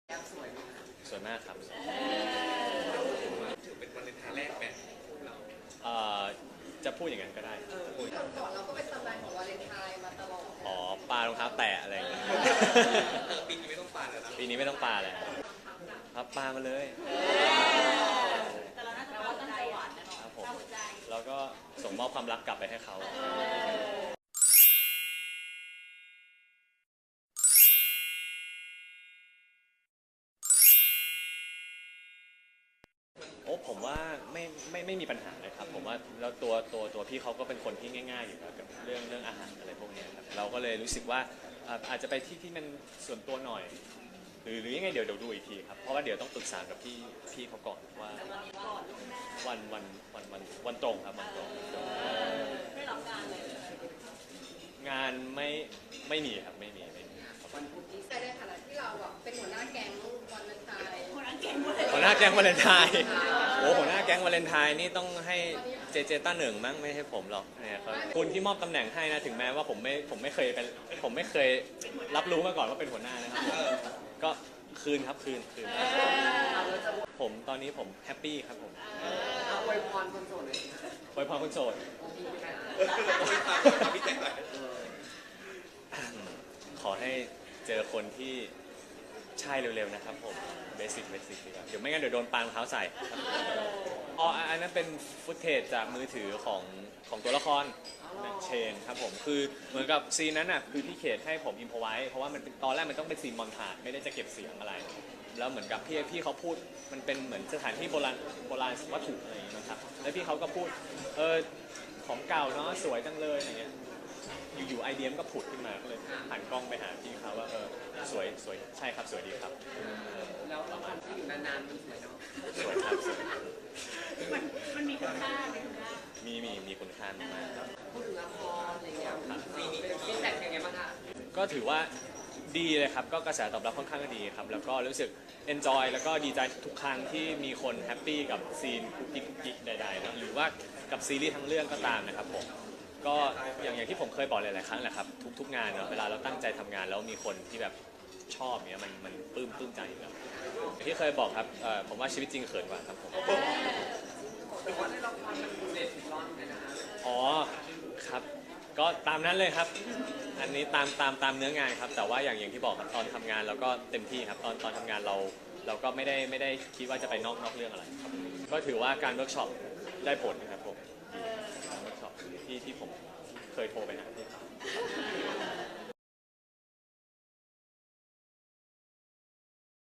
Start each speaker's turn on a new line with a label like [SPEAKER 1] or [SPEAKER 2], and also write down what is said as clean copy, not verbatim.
[SPEAKER 1] แอปสวยไหมคะ
[SPEAKER 2] สวยมากครับ
[SPEAKER 3] ถือเป็นวันเลนไทน์แรกแบบเรา
[SPEAKER 2] จะพูดอย่างนั้นก็ได้
[SPEAKER 1] ก่อนเราก็เป็นตำนานของวาเลนไทน์มาตลอด
[SPEAKER 2] อ๋อปลารองเท้าแตะอะไรอย่างเงี้ย
[SPEAKER 3] ปีนี้ไม่ต้องปาแล้วนะ
[SPEAKER 2] ปีนี้ไม่ต้องปลาแล้วครับปลามาเลย
[SPEAKER 4] แต่เราน่าจะตั้งใจหวานนะเนาะ
[SPEAKER 2] ครับผมแล้วก็ส่งมอบความรักกลับไปให้เขาโอ้ผมว่าไม่มีปัญหาเลยครับผมว่าแล้วตัวพี่เขาก็เป็นคนที่ง่ายๆอยู่แล้วกับเรื่องอาหารอะไรพวกนี้ครับเราก็เลยรู้สึกว่าอาจจะไปที่มันส่วนตัวหน่อยหรือยังไงเดี๋ยวดูอีกทีครับเพราะว่าเดี๋ยวต้องปรึกษากับพี่เขาก่อนว่าวันตรงครับวันตรง
[SPEAKER 4] ไม่รับงานเลย
[SPEAKER 2] งานไม่มีครับไม่มี
[SPEAKER 1] วันพุธที่ในฐานะที่เราแบบเป็นหัวหน้าแก๊งวาเลนไทน์
[SPEAKER 4] หัวหน้าแก๊ง
[SPEAKER 2] วาเลนไทน์โอ้หัวหน้าแก๊งวาเลนไทน์นี่ต้องให้เจต้าหนึ่งมั้งไม่ให้ผมหรอกเนี่ยครับคุณที่มอบตำแหน่งให้นะถึงแม้ว่าผมไม่เคยรับรู้มาก่อนว่าเป็นหัวหน้านะครับก็คืนครับคืนผมตอนนี้ผมแฮปปี้ครับผม
[SPEAKER 1] เอาอวยพรคนโสดเลย
[SPEAKER 2] อวยพรคนโสดขอให้เจอคนที่ใช่เร็วๆนะครับผมเบสิกดีกว่าเดี๋ยวไม่งั้นเดี๋ยวโดนปารองเท้าใส่อ๋ออันนั้นเป็นฟุตเทจจากมือถือของตัวละครเชนครับผมคือเหมือนกับซีนนั้นน่ะคือพี่เขตให้ผมอิมพอไว้เพราะว่ามันตอนแรกมันต้องเป็นซีนมอนทาจไม่ได้จะเก็บเสียงอะไรแล้วเหมือนกับพี่เขาพูดมันเป็นเหมือนสถานที่โบราณวัตถุอะไรอย่างเงี้ยนะครับแล้วพี่เขาก็พูดของเก่าเนาะสวยจังเลยอย่างเงี้ยอยู่ไอเดียมก็ผุดขึ้นมาก็เลยหันกล้องไปหาพี่เขาว่าสวยใช่ครับสวยดีครับ
[SPEAKER 1] แล้วละครที่อยู่นานๆมันสวยเนาะ
[SPEAKER 2] สวยครับสวย
[SPEAKER 4] มันมีคุณค่า
[SPEAKER 2] มีคุณค่ามากครับ
[SPEAKER 1] พูดถึงละครอะไรเงี้ยเป็นฟีดแบ็กยังไงบ้างคะ
[SPEAKER 2] ก็ถือว่าดีเลยครับก็กระแสตอบรับค่อนข้างดีครับแล้วก็รู้สึก enjoy แล้วก็ดีใจทุกครั้งที่มีคนแฮปปี้กับซีนกุ๊กกิ๊กใดๆนะหรือว่ากับซีรีส์ทั้งเรื่องก็ตามนะครับผมก็อย่างที่ผมเคยบอกหลายๆครั้งแหละครับทุกงานเนาะเวลาเราตั้งใจทำงานแล้วมีคนที่แบบชอบเนี้ยมันปลื้มใจอยู่แล้วที่เคยบอกครับผมว่าชีวิตจริงเขินกว่าครับผม
[SPEAKER 1] แต่ว่าในละครมันดูเด็ดถึงร้อนเลยนะคะ
[SPEAKER 2] อ๋อครับก็ตามนั้นเลยครับอันนี้ตามเนื้องานครับแต่ว่าอย่างที่บอกครับตอนทำงานเราก็เต็มที่ครับตอนทำงานเราก็ไม่ได้คิดว่าจะไปนอกเรื่องอะไรครับก็ถือว่าการเวิร์กช็อปได้ผลนะครับผมเวิร์กช็อปที่ผมเคยโทรไปหาที่